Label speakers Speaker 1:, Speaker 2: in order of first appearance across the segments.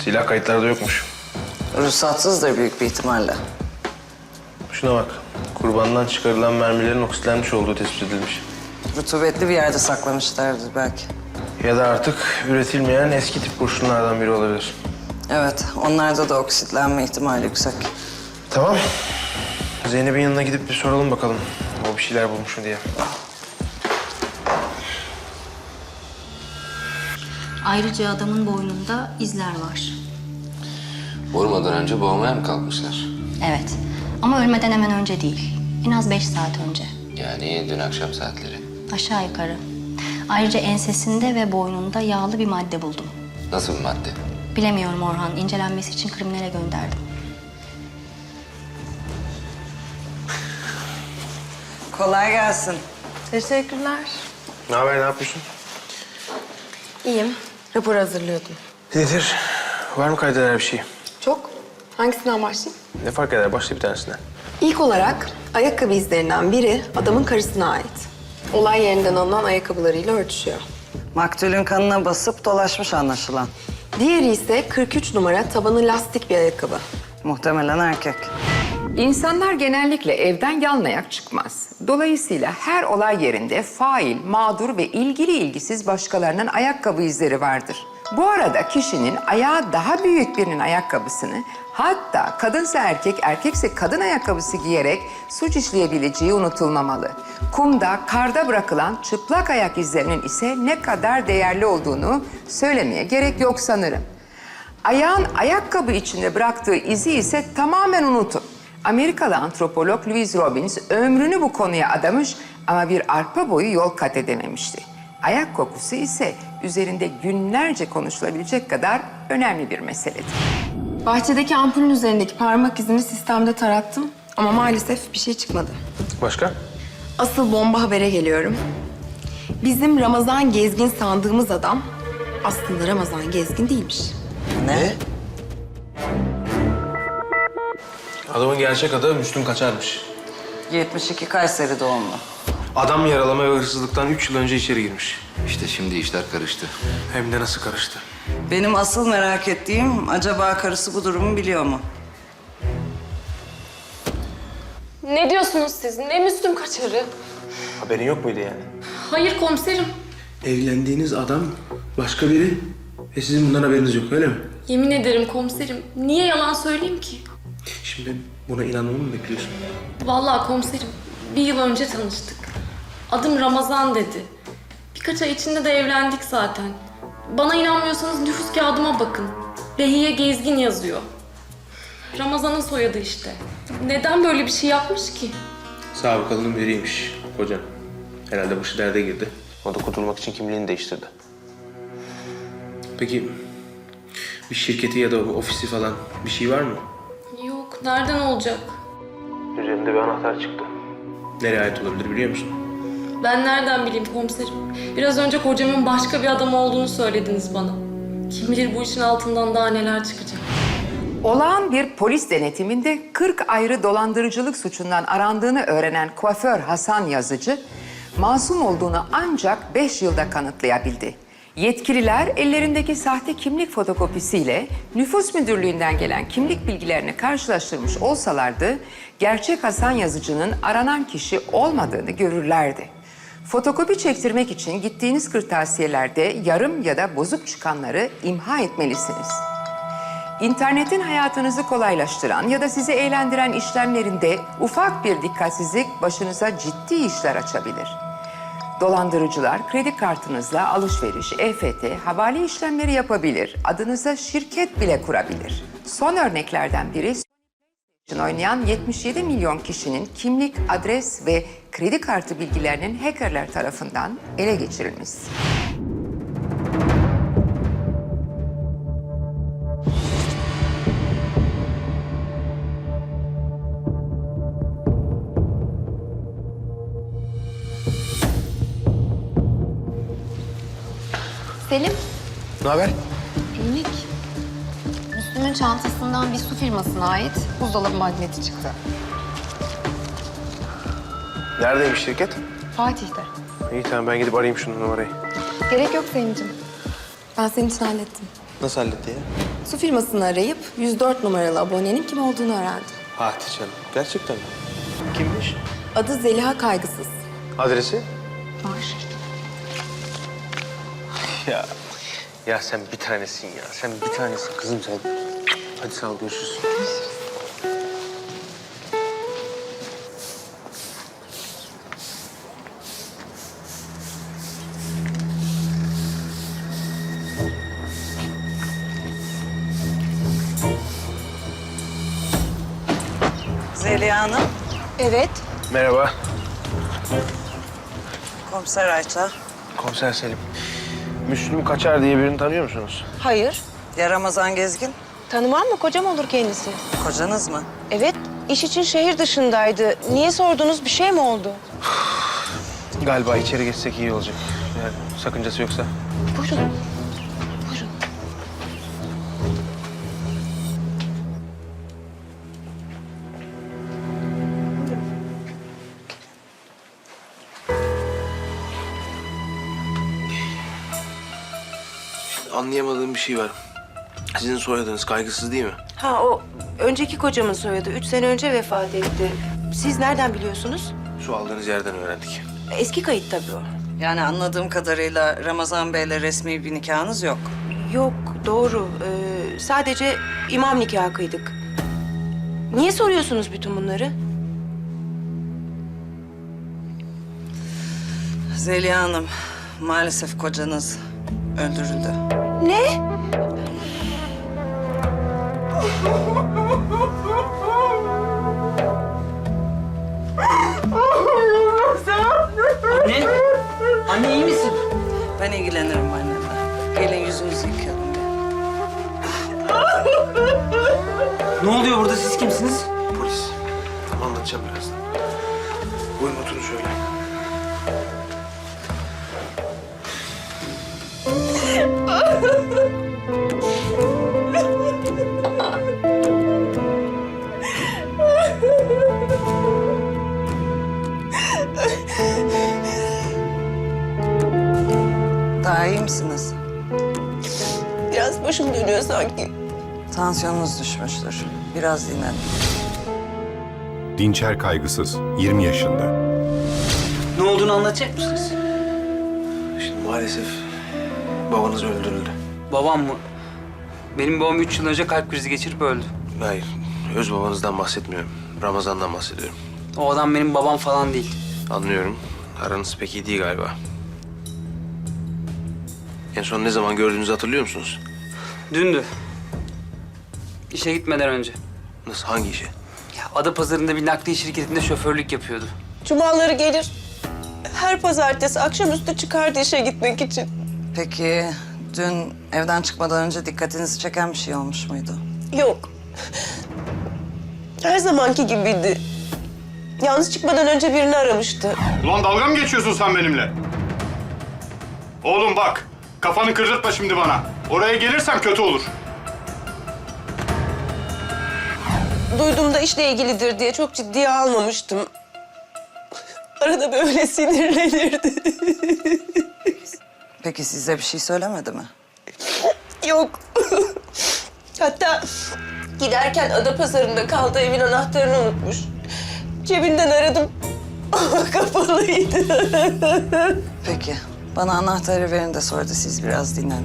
Speaker 1: Silah kayıtlarda yokmuş.
Speaker 2: Ruhsatsızdır büyük bir ihtimalle.
Speaker 1: Şuna bak. Kurbandan çıkarılan mermilerin oksitlenmiş olduğu tespit edilmiş.
Speaker 2: Rutubetli bir yerde saklamışlardır belki.
Speaker 1: Ya da artık üretilmeyen eski tip kurşunlardan biri olabilir.
Speaker 2: Evet, onlarda da oksitlenme ihtimali yüksek.
Speaker 1: Tamam. Zeynep'in yanına gidip bir soralım bakalım. O bir şeyler bulmuş mu diye.
Speaker 3: Ayrıca adamın boynunda izler var.
Speaker 4: Vurmadan önce boğmaya mı kalkmışlar?
Speaker 3: Evet. Ama ölmeden hemen önce değil. En az 5 saat önce.
Speaker 4: Yani dün akşam saatleri.
Speaker 3: Aşağı yukarı. Ayrıca ensesinde ve boynunda yağlı bir madde buldum.
Speaker 4: Nasıl bir madde?
Speaker 3: Bilemiyorum Orhan. İncelenmesi için kriminale gönderdim.
Speaker 2: Kolay gelsin.
Speaker 5: Teşekkürler.
Speaker 1: Ne haber, ne yapıyorsun?
Speaker 5: İyiyim. Rapor hazırlıyordum.
Speaker 1: Nedir? Var mı kaydeder bir şey?
Speaker 5: Çok. Hangisinden başlayayım?
Speaker 1: Ne fark eder? Başla bir tanesinden.
Speaker 5: İlk olarak ayakkabı izlerinden biri adamın karısına ait. Olay yerinden alınan ayakkabılarıyla örtüşüyor.
Speaker 2: Maktulün kanına basıp dolaşmış anlaşılan.
Speaker 5: Diğeri ise 43 numara tabanı lastik bir ayakkabı.
Speaker 2: Muhtemelen erkek.
Speaker 6: İnsanlar genellikle evden yalnayak çıkmaz. Dolayısıyla her olay yerinde fail, mağdur ve ilgili ilgisiz başkalarının ayakkabı izleri vardır. Bu arada kişinin ayağı daha büyük birinin ayakkabısını, hatta kadınsa erkek, erkekse kadın ayakkabısı giyerek suç işleyebileceği unutulmamalı. Kumda, karda bırakılan çıplak ayak izlerinin ise ne kadar değerli olduğunu söylemeye gerek yok sanırım. Ayağın ayakkabı içinde bıraktığı izi ise tamamen unutun. Amerikalı antropolog Louis Robbins ömrünü bu konuya adamış ama bir arpa boyu yol kat edememişti. Ayak kokusu ise üzerinde günlerce konuşulabilecek kadar önemli bir meseledir.
Speaker 5: Bahçedeki ampulün üzerindeki parmak izini sistemde tarattım ama maalesef bir şey çıkmadı.
Speaker 1: Başka?
Speaker 5: Asıl bomba habere geliyorum. Bizim Ramazan Gezgin sandığımız adam aslında Ramazan Gezgin değilmiş.
Speaker 2: Ne?
Speaker 1: Adamın gerçek adı Müslüm Kaçar'mış.
Speaker 2: 72 Kayseri doğumlu.
Speaker 1: Adam yaralama ve hırsızlıktan 3 yıl önce içeri girmiş.
Speaker 4: İşte şimdi işler karıştı.
Speaker 1: Hem de nasıl karıştı.
Speaker 2: Benim asıl merak ettiğim acaba karısı bu durumu biliyor mu?
Speaker 7: Ne diyorsunuz siz? Ne Müslüm Kaçarı?
Speaker 1: Haberin yok muydu yani?
Speaker 7: Hayır komiserim.
Speaker 1: Evlendiğiniz adam başka biri ve sizin bundan haberiniz yok, öyle mi?
Speaker 7: Yemin ederim komiserim. Niye yalan söyleyeyim ki?
Speaker 1: Şimdi buna inanmamı mı bekliyorsun?
Speaker 7: Vallahi komiserim, bir yıl önce tanıştık. Adım Ramazan dedi. Birkaç ay içinde de evlendik zaten. Bana inanmıyorsanız nüfus kağıdıma bakın. Behiye Gezgin yazıyor. Ramazan'ın soyadı işte. Neden böyle bir şey yapmış ki?
Speaker 1: Sabıkalının biriymiş kocan. Herhalde başı derde girdi. O da kurtulmak için kimliğini değiştirdi. Peki bir şirketi ya da ofisi falan bir şey var mı?
Speaker 7: Yok, nereden olacak?
Speaker 1: Üzerinde bir anahtar çıktı. Nereye ait olabilir biliyor musun?
Speaker 7: Ben nereden bileyim komiserim? Biraz önce kocamın başka bir adam olduğunu söylediniz bana. Kim bilir bu işin altından daha neler çıkacak.
Speaker 6: Olağan bir polis denetiminde 40 ayrı dolandırıcılık suçundan arandığını öğrenen kuaför Hasan Yazıcı, masum olduğunu ancak 5 yılda kanıtlayabildi. Yetkililer ellerindeki sahte kimlik fotokopisiyle nüfus müdürlüğünden gelen kimlik bilgilerini karşılaştırmış olsalardı, gerçek Hasan Yazıcı'nın aranan kişi olmadığını görürlerdi. Fotokopi çektirmek için gittiğiniz kırtasiyelerde yarım ya da bozuk çıkanları imha etmelisiniz. İnternetin hayatınızı kolaylaştıran ya da sizi eğlendiren işlemlerinde ufak bir dikkatsizlik başınıza ciddi işler açabilir. Dolandırıcılar kredi kartınızla alışveriş, EFT, havale işlemleri yapabilir. Adınıza şirket bile kurabilir. Son örneklerden biri oynayan 77 milyon kişinin kimlik, adres ve kredi kartı bilgilerinin hackerler tarafından ele geçirilmesi.
Speaker 5: Selim,
Speaker 1: Ne haber?
Speaker 5: günlük. Müslüm'ün çantasından bir su firmasına ait buzdolabı magneti çıktı.
Speaker 1: Neredeymiş şirket?
Speaker 5: Fatih'te.
Speaker 1: İyi tamam ben gidip arayayım şunun numarayı.
Speaker 5: Gerek yok Selim'ciğim. Ben senin için hallettim.
Speaker 1: Nasıl halletti ya?
Speaker 5: Su firmasını arayıp 104 numaralı abonenin kim olduğunu öğrendi.
Speaker 1: Hadi canım. Gerçekten mi? Kimmiş?
Speaker 5: Adı Zeliha Kaygısız.
Speaker 1: Adresi? Ya. Ya sen bir tanesin ya. Sen bir tanesin kızım sen. Hadi sağ ol, görüşürüz.
Speaker 2: Zeliha Hanım,
Speaker 5: Evet.
Speaker 1: Merhaba.
Speaker 2: komiser Ayça.
Speaker 1: Komiser Selim. Müslüm Kaçar diye birini tanıyor musunuz?
Speaker 8: Hayır.
Speaker 2: Ya Ramazan Gezgin,
Speaker 8: Tanımam mı? Kocam olur kendisi.
Speaker 2: kocanız mı?
Speaker 8: Evet. İş için şehir dışındaydı. Niye sordunuz? Bir şey mi oldu?
Speaker 1: Galiba içeri geçsek iyi olacak. Yani sakıncası yoksa.
Speaker 8: Buyurun. Buyurun.
Speaker 1: Anlayamadığım bir şey var. Sizin soyadınız Kaygısız değil mi?
Speaker 8: Ha o önceki kocamın soyadı. 3 sene önce vefat etti. Siz nereden biliyorsunuz?
Speaker 1: Su aldığınız yerden öğrendik.
Speaker 8: Eski kayıt tabii o.
Speaker 2: Yani anladığım kadarıyla Ramazan Bey'le resmi bir nikahınız yok.
Speaker 8: Yok doğru. Sadece imam nikahı kıydık. Niye soruyorsunuz bütün bunları?
Speaker 2: Zeliha Hanım, maalesef kocanız öldürüldü.
Speaker 8: Ne?
Speaker 9: Anne! Anne iyi misin?
Speaker 2: Ben ilgilenirim annenle. Gelin yüzünüzü yıkayalım bir.
Speaker 9: Ne oluyor burada? Siz kimsiniz?
Speaker 1: Polis. Tamam, anlatacağım birazdan. Buyurun oturun şöyle.
Speaker 2: Daha iyi misiniz?
Speaker 8: Biraz başım dönüyor sanki.
Speaker 2: Tansiyonunuz düşmüştür. Biraz dinlenin.
Speaker 10: Dinçer Kaygısız, 20 yaşında.
Speaker 9: Ne olduğunu anlatacak mısınız?
Speaker 1: Şimdi maalesef babanız öldürüldü.
Speaker 9: Babam mı? Benim babam 3 yıl önce kalp krizi geçirip öldü.
Speaker 1: Hayır, öz babanızdan bahsetmiyorum. Ramazan'dan bahsediyorum.
Speaker 9: O adam benim babam falan değil.
Speaker 1: Anlıyorum. Aranız pek iyi değil galiba. En son ne zaman gördüğünüzü hatırlıyor musunuz?
Speaker 9: Dündü. İşe gitmeden önce.
Speaker 1: Nasıl, hangi işi?
Speaker 9: Ya Adapazarı'nda bir nakliye şirketinde şoförlük yapıyordu.
Speaker 8: Cumaları gelir. Her pazartesi akşamüstü çıkardı işe gitmek için.
Speaker 2: Peki dün evden çıkmadan önce dikkatinizi çeken bir şey olmuş muydu?
Speaker 8: Yok. Her zamanki gibiydi. Yalnız çıkmadan önce birini aramıştı.
Speaker 11: Ulan dalga mı geçiyorsun sen benimle? Oğlum bak, kafanı kırdırtma şimdi bana. Oraya gelirsem kötü olur.
Speaker 8: Duyduğumda işle ilgilidir diye çok ciddiye almamıştım. Arada böyle sinirlenirdi.
Speaker 2: Peki size bir şey söylemedi mi?
Speaker 8: Yok. Hatta giderken Adapazarı'nda kaldığı evin anahtarını unutmuş. Cebinden aradım ama kapalıydı.
Speaker 2: Peki. Bana anahtarı verin de sonra da siz biraz dinlenin.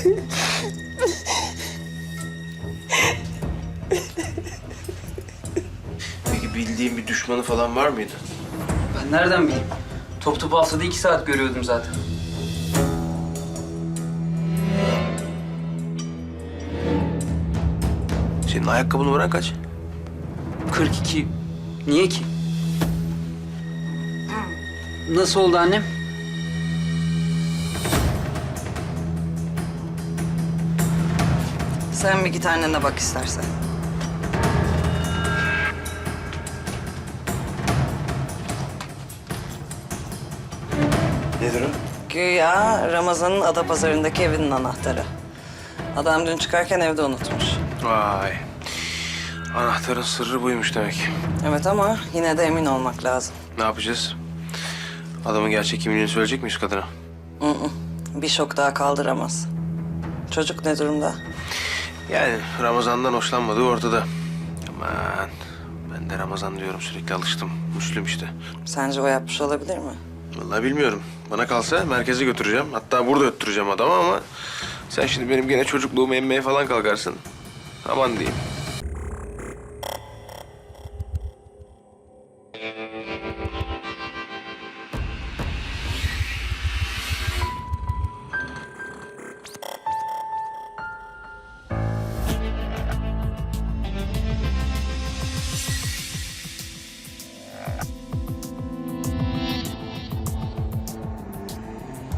Speaker 1: Peki bildiğin bir düşmanı falan var mıydı?
Speaker 9: Ben nereden bileyim? Top topu haftada 2 saat görüyordum zaten.
Speaker 1: Senin ayakkabı numaran kaç?
Speaker 9: 42. Niye ki? Nasıl oldu annem?
Speaker 2: Sen bir git annene bak istersen.
Speaker 1: Nedir o?
Speaker 2: Güya Ramazan'ın Adapazarı'ndaki evinin anahtarı. Adam dün çıkarken evde unutmuş.
Speaker 1: Vay. Anahtarın sırrı buymuş demek.
Speaker 2: Evet ama yine de emin olmak lazım.
Speaker 1: Ne yapacağız? Adamın gerçek kimliğini söyleyecek miyiz kadına?
Speaker 2: Bir şok daha kaldıramaz. Çocuk ne durumda?
Speaker 1: Yani Ramazan'dan hoşlanmadığı ortada. Aman ben de Ramazan diyorum sürekli alıştım. Müslüm işte.
Speaker 2: Sence o yapmış olabilir mi?
Speaker 1: Vallahi bilmiyorum. Bana kalsa merkeze götüreceğim. Hatta burada öttüreceğim adamı ama... Sen şimdi benim gene çocukluğumu emmeye falan kalkarsın. Aman diyeyim.